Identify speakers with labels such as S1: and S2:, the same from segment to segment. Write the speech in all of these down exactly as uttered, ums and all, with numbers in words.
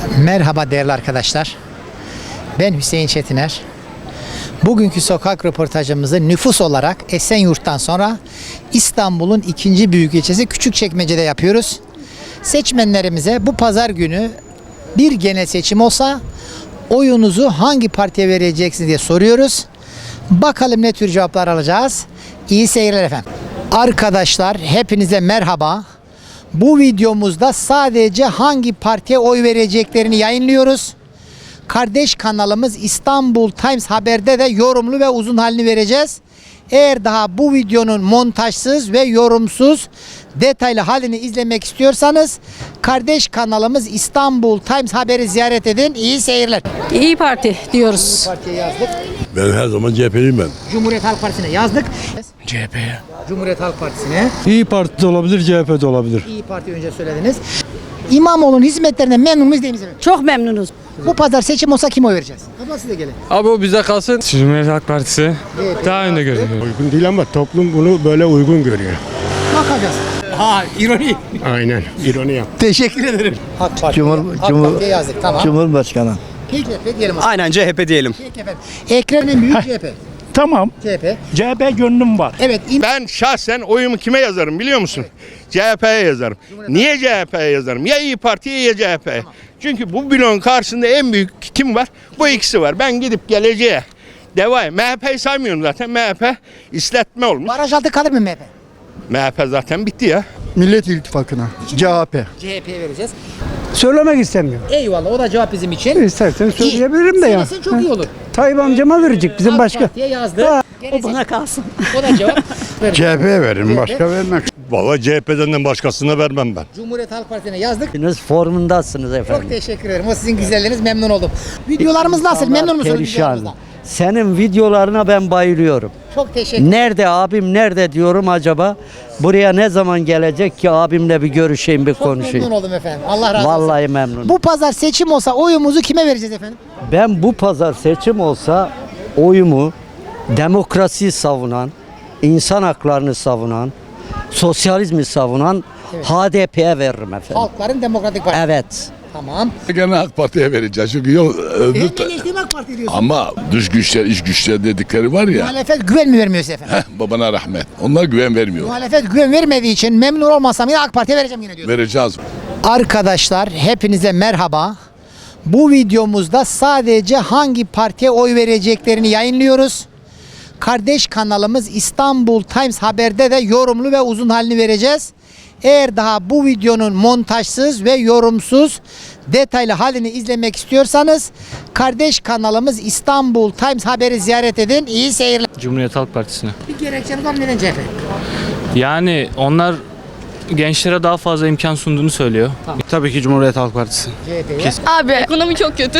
S1: Merhaba değerli arkadaşlar. Ben Hüseyin Çetiner. Bugünkü sokak röportajımızı nüfus olarak Esenyurt'tan sonra İstanbul'un ikinci büyük ilçesi Küçükçekmece'de yapıyoruz. Seçmenlerimize bu pazar günü bir genel seçim olsa oyunuzu hangi partiye vereceksiniz diye soruyoruz. Bakalım ne tür cevaplar alacağız. İyi seyirler efendim. Arkadaşlar hepinize merhaba. Bu videomuzda sadece hangi partiye oy vereceklerini yayınlıyoruz. Kardeş kanalımız İstanbul Times Haber'de de yorumlu ve uzun halini vereceğiz. Eğer daha bu videonun montajsız ve yorumsuz detaylı halini izlemek istiyorsanız kardeş kanalımız İstanbul Times Haber'i ziyaret edin. İyi seyirler.
S2: İyi Parti diyoruz.
S1: Partiye yazdık.
S3: Ben her zaman C H P'liyim ben.
S1: Cumhuriyet Halk Partisi'ne yazdık.
S4: C H P'ye.
S1: Cumhuriyet Halk Partisi'ne.
S5: İyi Parti de olabilir, C H P de olabilir.
S1: İyi Parti önce söylediniz. İmamoğlu'nun hizmetlerinden memnun muyuz değil miyiz efendim?
S2: Çok memnunuz.
S1: Bu pazar seçim olsa kime oy vereceğiz? Abla siz de gelin.
S5: Abi o bize kalsın. Cumhuriyet Halk Partisi daha önde görünüyor.
S6: Uygun değil ama toplum bunu böyle uygun görüyor.
S1: Bakacağız. Ha ironi.
S6: Aynen. İroni yap.
S1: Teşekkür ederim. AK Parti.
S7: Cumhur-
S1: AK
S7: Cumhur-
S1: Parti'ye yazdık tamam.
S7: Cumhurbaşkanı.
S1: Peki efendim diyelim. o zaman.
S4: Aynen C H P diyelim.
S1: Peki efendim. Ekrem'in büyük C H P.
S6: Tamam.
S1: C H P.
S6: C H P gönlüm var.
S1: Evet. im-
S8: Ben şahsen oyumu kime yazarım biliyor musun? C H P'ye yazarım. Niye C H P'ye yazarım? Ya İyi Parti'ye ya C H P'ye. Çünkü bu bloğun karşısında en büyük kim var? Bu ikisi var. Ben gidip geleceğe devam. M H P'yi saymıyorum zaten. M H P isletme olmuş.
S1: Baraj altı kalır mı M H P?
S8: M H P zaten bitti ya.
S7: Millet İttifakı'na. C H P.
S1: C H P'ye vereceğiz.
S6: Söylemek istemiyorum.
S1: Eyvallah o da cevap bizim için.
S6: İstersen söyleyebilirim de ya.
S1: Söylesin çok iyi olur.
S6: Tayyip amcama verecek bizim
S1: AK
S6: başka.
S1: Parti'ye yazdı.
S2: O bana kalsın.
S1: O da cevap.
S7: C H P'ye veririm, başka vermem.
S3: Vallahi C H P'den başkasına vermem ben.
S1: Cumhuriyet Halk Partisi'ne yazdık.
S7: Formundasınız efendim.
S1: Çok teşekkür ederim. O sizin güzelliğiniz, memnun oldum. Videolarımız nasıl? Memnun musunuz
S7: Perişan.
S1: videolarımızdan?
S7: Senin videolarına ben bayılıyorum.
S1: Çok teşekkür ederim.
S7: Nerede abim, nerede diyorum acaba? Buraya ne zaman gelecek ki abimle bir görüşeyim, bir
S1: Çok memnun
S7: konuşayım.
S1: oldum efendim. Allah razı olsun.
S7: Vallahi memnun.
S1: Bu pazar seçim olsa oyumuzu kime vereceğiz efendim?
S7: Ben bu pazar seçim olsa oyumu demokrasiyi savunan, insan haklarını savunan, sosyalizmi savunan H D P'ye veririm efendim.
S1: Halkların Demokratik Partisi.
S7: Evet.
S1: Tamam.
S3: Gene AK Parti'ye vereceğiz çünkü yok öbür
S1: En eleştirme AK Parti diyorsun.
S3: ama dış güçler, iç güçler dedikleri var ya.
S1: Muhalefet güven mi vermiyor size efendim?
S3: Heh, babana rahmet. Onlar güven vermiyor.
S1: Muhalefet güven vermediği için memnun olmasam yine AK Parti'ye vereceğim yine diyorsun.
S3: Vereceğiz.
S1: Arkadaşlar hepinize merhaba. Bu videomuzda sadece hangi partiye oy vereceklerini yayınlıyoruz. Kardeş kanalımız İstanbul Times Haber'de de yorumlu ve uzun halini vereceğiz. Eğer daha bu videonun montajsız ve yorumsuz detaylı halini izlemek istiyorsanız kardeş kanalımız İstanbul Times Haber'i ziyaret edin. İyi seyirler.
S5: Cumhuriyet Halk Partisi'ne.
S1: Bir gerekçeniz var mı? Neden C H P?
S5: Yani onlar gençlere daha fazla imkan sunduğunu söylüyor. Tabii ki Cumhuriyet Halk Partisi.
S1: C H P'ye.
S2: Abi ekonomi çok kötü.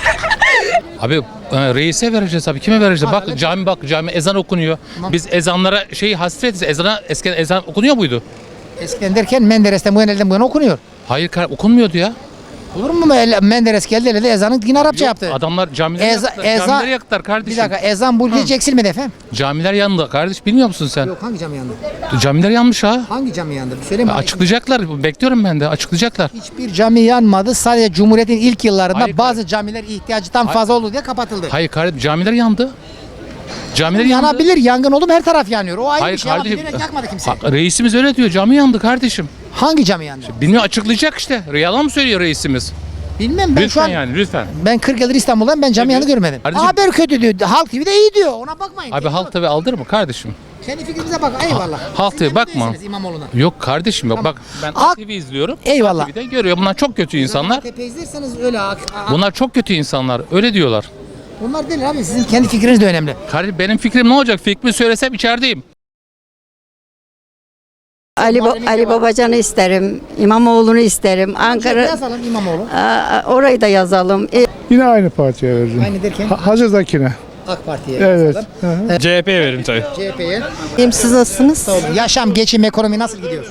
S9: Abi e, reise vereceğiz abi. Kime vereceğiz? Bak cami bak cami ezan okunuyor. Biz ezanlara şeyi hasretiz. Ezana eskiden ezan okunuyor muydu?
S1: Eskiden derken Menderes'ten bu yana elden bu yana okunuyor.
S9: Hayır kar- okunmuyordu ya.
S1: Olur mu? El- Menderes geldi elinde ezanı yine Arapça yaptı.
S9: Adamlar camileri
S1: Eza-
S9: yaktılar.
S1: eza-
S9: Camileri yaktılar
S1: Bir
S9: kardeşim.
S1: dakika ezan bu ülke eksilmedi efendim.
S9: Camiler yandı kardeş. Bilmiyor musun sen?
S1: Yok hangi cami yandı?
S9: Camiler yanmış ha.
S1: Hangi cami yandı? Bir söyleyeyim mi?
S9: Açıklayacaklar. Bekliyorum ben de. Açıklayacaklar.
S1: Hiçbir cami yanmadı. Sadece Cumhuriyet'in ilk yıllarında
S9: Hayır,
S1: bazı camiler ihtiyacından fazla oldu diye kapatıldı.
S9: Hayır kardeşim camiler yandı. Camiler yandı.
S1: Yanabilir. Yangın oldu mu her taraf yanıyor. O ayrı
S9: Hayır
S1: bir şey ama
S9: kardeşim.
S1: bilerek yakmadı kimse.
S9: Ha, reisimiz öyle diyor. Cami yandı kardeşim.
S1: Hangi cami yandı?
S9: Bilmiyor açıklayacak işte. Yalan mı söylüyor reisimiz?
S1: Bilmem ben şu
S9: Lütfen
S1: an
S9: yani lütfen.
S1: ben kırk yıldır İstanbul'dayım ben cami yanı görmedim.
S9: Kardeşim-
S1: Haber kötü diyor. Halk T V'de iyi diyor. Ona bakmayın.
S9: Abi halk tabi aldır mı kardeşim?
S1: Kendi fikrinize bak. Eyvallah.
S9: Halk
S1: Siz
S9: T V
S1: memnun
S9: bakma.
S1: değilsiniz İmamoğlu'na.
S9: Yok kardeşim yok bak ben
S1: Ak-
S9: T V izliyorum.
S1: Eyvallah.
S9: T V'de görüyor. Bunlar çok kötü insanlar.
S1: Tepe izlerseniz öyle. a- a-
S9: Bunlar çok kötü insanlar. Öyle diyorlar.
S1: Bunlar değil abi. Sizin kendi fikriniz de önemli.
S9: Kardeşim benim fikrim ne olacak? Fikrimi söylesem içerideyim.
S2: Ali, Ba- Ali Babacan'ı isterim. İmamoğlu'nu isterim. Ankara
S1: Yazalım İmamoğlu.
S2: Aa, orayı da yazalım. E,
S6: Yine aynı partiye vereceğim.
S1: Aynı derken
S6: Hazırdakine.
S1: AK Parti'ye
S6: Evet.
S1: yazalım.
S5: C H P'ye veririm tabii.
S1: C H P'ye.
S2: siz nasılsınız?
S1: Sağ olun. Yaşam, geçim, ekonomi nasıl gidiyor?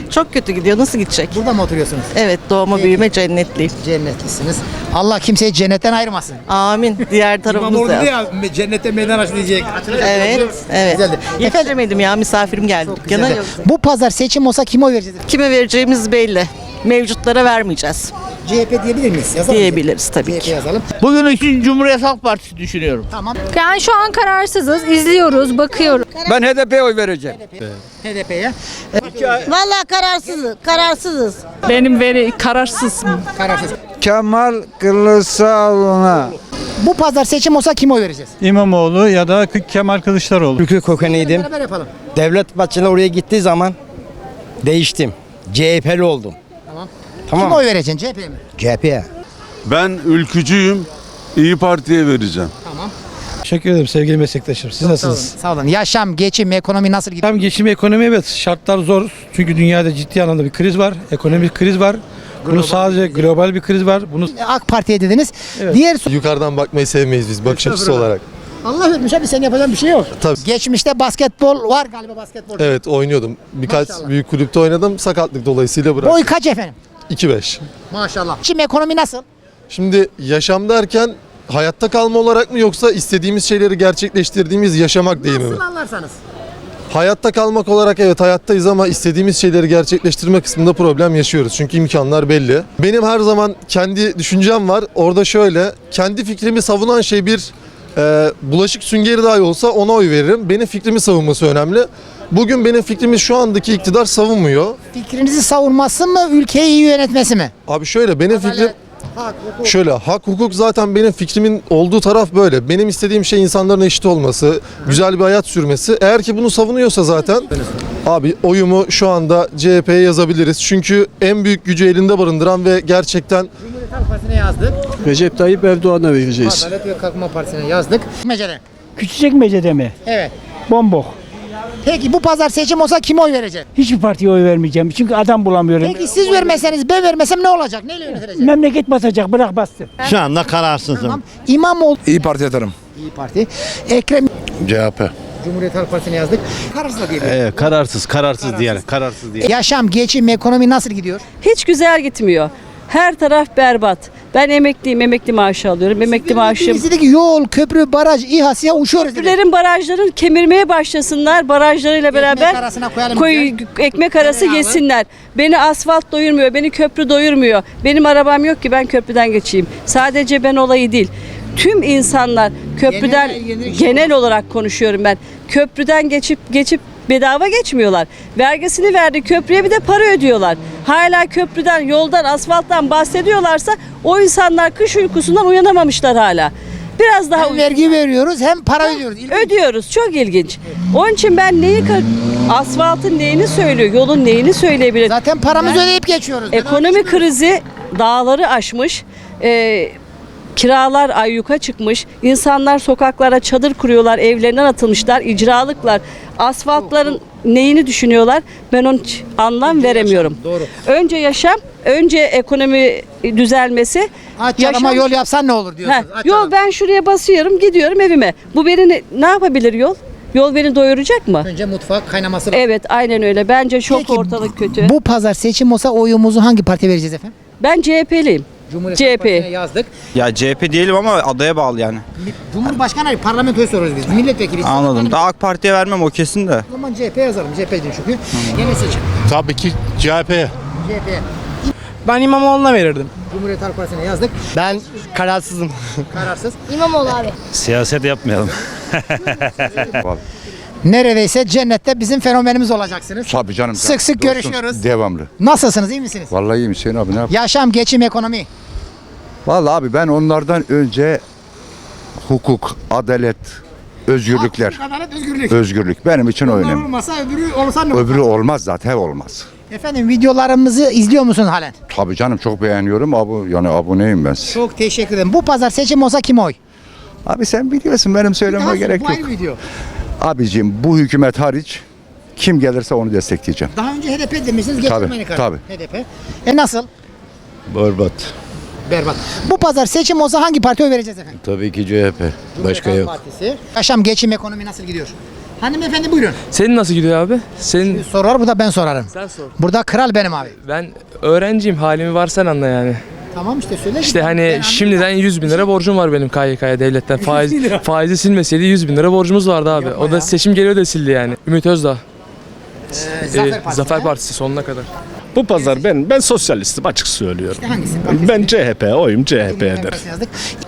S4: Çok kötü gidiyor. Nasıl gidecek?
S1: Burada mı oturuyorsunuz?
S4: Evet, doğma
S1: Peki.
S4: büyüme cennetliyim.
S1: Cennetlisiniz. Allah kimseyi cennetten ayırmasın.
S4: Amin. Diğer tarafımız da.
S1: ya cennette meydan aç diyecek.
S4: Evet, evet.
S1: Güzeldi.
S4: Yetişemedim ya, misafirim geldi. Dükkana
S1: Güzeldi.
S4: yok.
S1: Bu pazar seçim olsa kime oy vereceğiz?
S4: Kime vereceğimiz belli. Mevcutlara vermeyeceğiz
S1: C H P diyebilir miyiz? Yazalım.
S4: diyebiliriz tabii
S1: C H P
S4: ki.
S1: yazalım.
S10: Bugün için Cumhuriyet Halk Partisi düşünüyorum.
S1: Tamam.
S11: Yani şu an kararsızız, izliyoruz, bakıyoruz.
S10: Ben H D P'ye oy vereceğim.
S1: H D P'ye.
S2: Vallahi kararsızız. Kararsızız.
S11: Benim veri kararsız.
S1: Kararsız.
S6: Kemal Kılıçdaroğlu'na.
S1: Bu pazar seçim olsa kime oy vereceğiz?
S6: İmamoğlu ya da Kemal Kılıçdaroğlu.
S10: Türkiye kökenliydim.
S1: Beraber yapalım.
S10: Devlet Bahçeli oraya gittiği zaman değiştim. C H P'li oldum.
S1: Tamam.
S10: Tamam.
S1: Kime oy vereceksin? C H P'ye mi?
S10: C H P'ye.
S3: Ben ülkücüyüm. İyi Parti'ye vereceğim.
S1: Tamam.
S6: Teşekkür ederim sevgili meslektaşım. Siz
S1: Sağ olun. Sağ olun. Yaşam, geçim, ekonomi nasıl gidiyor?
S6: Hem geçim ekonomi evet şartlar zor. Çünkü dünyada ciddi anlamda bir kriz var. Ekonomik kriz var. Bunu sadece global bir kriz var. Bunu
S1: AK Parti'ye dediniz.
S6: Evet.
S1: Diğer so-
S12: Yukarıdan bakmayı sevmeyiz biz bakış açısı olarak.
S1: Allah vermiş abi, sen yapacağın bir şey yok.
S12: Tabii.
S1: Geçmişte basketbol var galiba, basketbol.
S12: Evet oynuyordum. Birkaç
S1: Maşallah.
S12: büyük kulüpte oynadım. Sakatlık dolayısıyla bıraktım.
S1: Boy kaç efendim?
S12: iki beş.
S1: Maşallah. Şimdi ekonomi nasıl?
S12: Şimdi yaşam derken hayatta kalma olarak mı yoksa istediğimiz şeyleri gerçekleştirdiğimiz yaşamak değil mi?
S1: Nasıl anlarsanız.
S12: Hayatta kalmak olarak evet hayattayız ama istediğimiz şeyleri gerçekleştirme kısmında problem yaşıyoruz. Çünkü imkanlar belli. Benim her zaman kendi düşüncem var. Orada şöyle, kendi fikrimi savunan şey bir e, bulaşık süngeri dahi olsa ona oy veririm. Benim fikrimi savunması önemli. Bugün benim fikrimi şu andaki iktidar savunmuyor.
S1: Fikrinizi savunması mı, ülkeyi iyi yönetmesi mi?
S12: Abi şöyle benim fikrim
S1: Hak, hukuk.
S12: şöyle hak hukuk zaten benim fikrimin olduğu taraf böyle. Benim istediğim şey insanların eşit olması, güzel bir hayat sürmesi. Eğer ki bunu savunuyorsa zaten abi oyumu şu anda C H P'ye yazabiliriz. Çünkü en büyük gücü elinde barındıran ve gerçekten
S1: Cumhuriyet Halk Partisi'ne yazdık.
S6: Recep Tayyip Erdoğan'a vereceğiz.
S1: Adalet ve Kalkınma Partisi'ne yazdık. Mecede.
S6: Küçükçekmece'de mi?
S1: Evet.
S6: Bombok.
S1: Peki bu pazar seçim olsa kime oy vereceksin?
S6: Hiçbir partiye oy vermeyeceğim. Çünkü adam bulamıyorum.
S1: Peki siz vermeseniz, ben vermesem ne olacak? Neyle yönetilecek?
S6: Memleket basacak, bırak bastı.
S10: Şu anda kararsızım.
S1: Tamam. İmamoğlu.
S3: İyi Parti atarım.
S1: İyi Parti. Ekrem.
S3: C H P.
S1: Cumhuriyet Halk Partisi'ne yazdık. Kararsız da diyebiliriz.
S10: Evet, kararsız, kararsız diyelim. Kararsız diyelim.
S1: Yaşam, geçim, ekonomi nasıl gidiyor?
S4: Hiç güzel gitmiyor. Her taraf berbat. Ben emekliyim, emekli maaşı alıyorum. Emekli maaşım.
S1: Birisi dedi ki yol, köprü, baraj, İHA, SİHA uçuyoruz dedi.
S4: Köprülerin, barajların kemirmeye başlasınlar. Barajlarıyla beraber
S1: Ekmek arasına koyalım
S4: koy, ekmek arası
S1: Beraber.
S4: yesinler. Beni asfalt doyurmuyor, beni köprü doyurmuyor. Benim arabam yok ki ben köprüden geçeyim. Sadece ben olayı değil. Tüm insanlar köprüden
S1: Genel- genel-
S4: genel olarak konuşuyorum ben. Köprüden geçip geçip bedava geçmiyorlar. Vergisini verdi köprüye, bir de para ödüyorlar. Hala köprüden, yoldan, asfalttan bahsediyorlarsa o insanlar kış uykusundan uyanamamışlar hala. Biraz daha
S1: Hem vergi veriyoruz hem para ödüyoruz. İlginç.
S4: ödüyoruz. Çok ilginç. Onun için ben neyi ka- asfaltın neyini söylüyor, yolun neyini söyleyebilir?
S1: Zaten paramızı ödeyip geçiyoruz.
S4: Ekonomi krizi dağları aşmış. Ee, Kiralar ayyuka çıkmış. İnsanlar sokaklara çadır kuruyorlar, evlerinden atılmışlar, icralıklar. Asfaltların neyini düşünüyorlar? Ben onun hiç anlam veremiyorum.
S1: yaşam, doğru.
S4: Önce yaşam, önce ekonomi düzelmesi.
S1: Aç arama yol yapsan ne olur diyorsunuz.
S4: Heh,
S1: Aç
S4: yol
S1: arama.
S4: ben şuraya basıyorum, gidiyorum evime. Bu beni ne, ne yapabilir yol? Yol beni doyuracak mı?
S1: Önce mutfak kaynaması lazım.
S4: Evet, aynen öyle. Bence çok
S1: Peki,
S4: ortalık kötü.
S1: Bu pazar seçim olsa oyumuzu hangi partiye vereceğiz efendim?
S4: Ben C H P'liyim.
S1: Cumhuriyet
S4: C H
S1: Halk
S4: P.
S1: Partisi'ne yazdık.
S10: Ya C H P değilim ama adaya bağlı yani.
S1: Cumhurbaşkanı değil, parlamentoyu soruyoruz biz. Milletvekili.
S10: Anladım. Daha AK Parti'ye vermem o kesin de.
S1: O zaman C H P yazalım. C H P'ciyim çünkü. Yeni seçim.
S3: Tabii ki C H P'ye.
S1: C H P'ye.
S10: Ben İmamoğlu'na verirdim.
S1: Cumhuriyet Halk Partisi'ne yazdık.
S10: Ben kararsızım.
S1: Kararsız.
S11: İmamoğlu abi.
S9: Siyaset yapmayalım.
S1: Neredeyse cennette bizim fenomenimiz olacaksınız.
S3: Tabii canım.
S1: Sık sık görüşüyoruz.
S3: Devamlı.
S1: Nasılsınız? İyi misiniz?
S3: Vallahi iyiyim Hüseyin abi, ne yap?
S1: Yaşam, geçim, ekonomi.
S3: Vallahi abi ben onlardan önce hukuk, adalet, özgürlükler.
S1: Hak, adalet, özgürlük.
S3: Özgürlük benim için
S1: Bunlar
S3: önemli.
S1: olmasa öbürü olsa ne olur?
S3: Öbürü olmaz zaten, olmaz.
S1: Efendim videolarımızı izliyor musun halen?
S3: Tabii canım, çok beğeniyorum. Abi, yani aboneyim ben size.
S1: Çok teşekkür ederim. Bu pazar seçim olsa kim oy?
S3: Abi sen biliyorsun, benim söylememe gerek
S1: Bu
S3: yok.
S1: ayrı video.
S3: Abicim bu hükümet hariç kim gelirse onu destekleyeceğim.
S1: Daha önce H D P demişsiniz. Getirmeyin karşı.
S3: tabii.
S1: H D P. E nasıl?
S3: Berbat.
S1: Berbat. Bu pazar seçim olsa hangi partiye oy vereceğiz efendim?
S3: Tabii ki C H P.
S1: Cumhuriyet Halk Partisi. Yaşam, geçim, ekonomi nasıl gidiyor? Hanımefendi buyurun.
S13: Senin nasıl gidiyor abi? Senin
S1: Sorar bu da ben sorarım.
S13: sen sor.
S1: Burada kral benim abi.
S13: Ben öğrenciyim, halimi var sen anla yani.
S1: Tamam işte söyle.
S13: İşte
S1: Ben
S13: hani
S1: anlayayım.
S13: şimdiden yüz bin lira borcum var benim K Y K'ya devletten. Faiz, faizi silmeseydi yüz bin lira borcumuz vardı abi.
S1: Yapma
S13: O da
S1: ya.
S13: seçim geliyor da sildi yani. Ümit Özdağ.
S1: Ee,
S13: Ee,
S1: Zafer Partisi.
S13: Zafer
S1: ha?
S13: Partisi sonuna kadar.
S14: Bu pazar ben ben sosyalistim açık söylüyorum.
S1: İşte hangisi?
S14: Ben C H P oyum C H
S1: Cumhuriyet
S14: P'ye
S1: Halk
S14: der.
S1: Partisi'ne yazdık.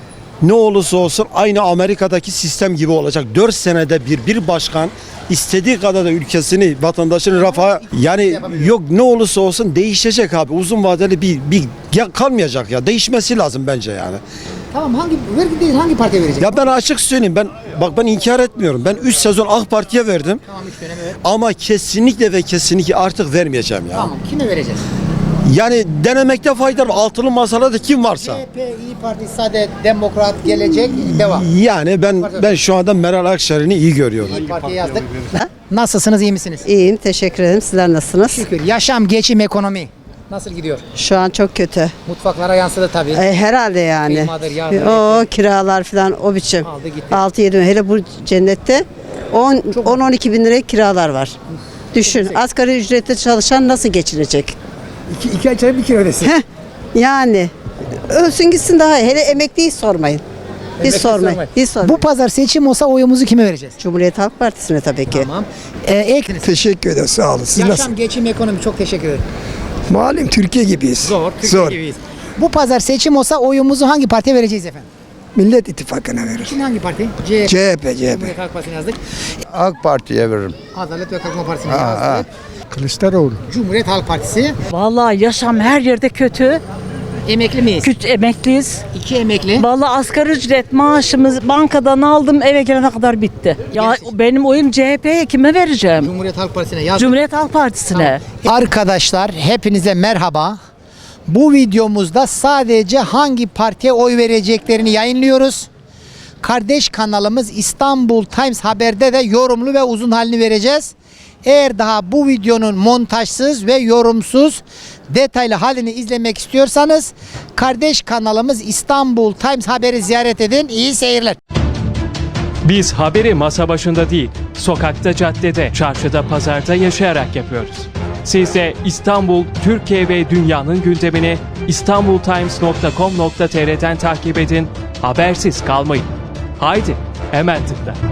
S10: Ne olursa olsun aynı Amerika'daki sistem gibi olacak. dört senede bir bir başkan istediği kadar da ülkesini, vatandaşını rafa yani yok ne olursa olsun değişecek abi. Uzun vadeli bir bir ya kalmayacak ya. Değişmesi lazım bence yani.
S1: Tamam hangi vergi değil hangi partiye verecek?
S10: Ya ben açık söyleyeyim ben bak ben inkar etmiyorum. Ben üç sezon AK Parti'ye verdim.
S1: Tamam üç dönem evet.
S10: Ama kesinlikle ve kesinlikle artık vermeyeceğim ya.
S1: Tamam kime vereceğiz?
S10: Yani denemekte fayda var. Altılı masada da kim varsa.
S1: C H P, İyi Parti, Saadet, Demokrat, Gelecek, Devam.
S10: Yani ben ben şu anda Meral Akşener'i iyi görüyorum.
S1: İyi Parti'ye yazdık. Nasılsınız, iyi misiniz?
S2: İyiyim, teşekkür ederim. Sizler nasılsınız?
S1: Şükür. Yaşam, geçim, ekonomi. Nasıl gidiyor?
S2: Şu an çok kötü.
S1: Mutfaklara yansıdı tabii.
S2: E, herhalde yani.
S1: Kıymadır, yağdır,
S2: O kiralar falan o biçim.
S1: Aldı gitti.
S2: altı yedi hele bu cennette on on iki bin liraya kiralar var. Düşün asgari ücretle çalışan nasıl geçinecek?
S1: İki, iki ay çay bir kilo ödesin.
S2: Heh, yani ölsün gitsin daha iyi. Hele emekliyi sormayın. Hiç sormayın. Hiç sormayın.
S1: Bu pazar seçim olsa oyumuzu kime vereceğiz?
S2: Cumhuriyet Halk Partisi'ne tabii ki.
S1: Tamam. Ee, ek...
S15: Teşekkür ederim sağ olun. Siz
S1: Yaşam,
S15: nasıl?
S1: geçim, ekonomi çok teşekkür ederim.
S15: Malum Türkiye gibiyiz.
S1: Zor, Türkiye
S15: Zor.
S1: gibiyiz. Bu pazar seçim olsa oyumuzu hangi partiye vereceğiz efendim?
S15: Millet İttifakı'na verir.
S1: Şimdi hangi parti? C H P.
S15: C H P, C H P.
S1: Cumhuriyet Halk Partisi'ne yazdık.
S3: AK Parti'ye veririm.
S1: Adalet ve Kalkınma Partisi'ne yazdık.
S15: Kılıçdaroğlu.
S1: Cumhuriyet Halk Partisi.
S11: Vallahi yaşam her yerde kötü.
S1: Emekli miyiz?
S11: Küçük emekliyiz.
S1: İki emekli.
S11: Vallahi asgari ücret maaşımız bankadan aldım eve gelene kadar bitti. Ya benim oyum C H P'ye kime vereceğim?
S1: Cumhuriyet Halk Partisi'ne yazdık.
S11: Cumhuriyet Halk Partisi'ne.
S1: Arkadaşlar hepinize merhaba. Bu videomuzda sadece hangi partiye oy vereceklerini yayınlıyoruz. Kardeş kanalımız İstanbul Times Haber'de de yorumlu ve uzun halini vereceğiz. Eğer daha bu videonun montajsız ve yorumsuz detaylı halini izlemek istiyorsanız kardeş kanalımız İstanbul Times Haber'i ziyaret edin. İyi seyirler.
S16: Biz haberi masa başında değil, sokakta, caddede, çarşıda, pazarda yaşayarak yapıyoruz. Siz de İstanbul, Türkiye ve dünyanın gündemini istanbul times nokta com nokta tr'den takip edin, habersiz kalmayın. Haydi, hemen tıkla.